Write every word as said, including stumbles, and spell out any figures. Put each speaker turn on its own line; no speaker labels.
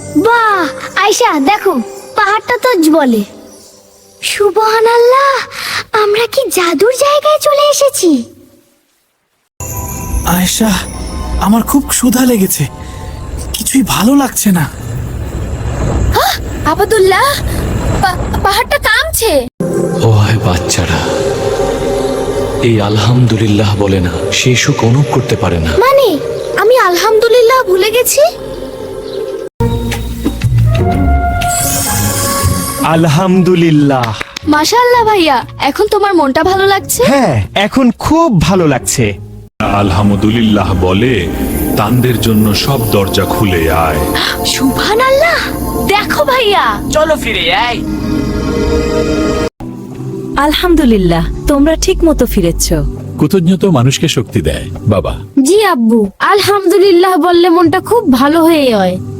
বাহ আয়শা দেখো, পাহাড়টা তো বলে। সুবহানাল্লাহ, আমরা কি জাদুর জায়গায় চলে এসেছি?
আয়েশা, আমার খুব ক্ষুধা লেগেছে, কিছুই ভালো লাগছে না।
আবাদুল্লাহ, পাহাড়টা কাঁপছে।
ও আয় বাচ্চারা, এই আলহামদুলিল্লাহ বলে না, সে সুখ অনুভব করতে পারে না।
মানে আমি আলহামদুলিল্লাহ ভুলে গেছি?
আলহামদুলিল্লাহ।
মাশাআল্লাহ ভাইয়া, এখন তোমার মনটা ভালো লাগছে?
হ্যাঁ, এখন খুব ভালো লাগছে।
আলহামদুলিল্লাহ বলে তানদের জন্য সব দরজা খুলে আয়।
সুবহানাল্লাহ, দেখো ভাইয়া।
চলো ফিরে আয়।
আলহামদুলিল্লাহ, তোমরা ঠিক মতো ফিরেছো।
কৃতজ্ঞতা মানুষকে শক্তি দেয় বাবা।
জি আব্বু, আলহামদুলিল্লাহ বললে মনটা খুব ভালো হয়ে যায়।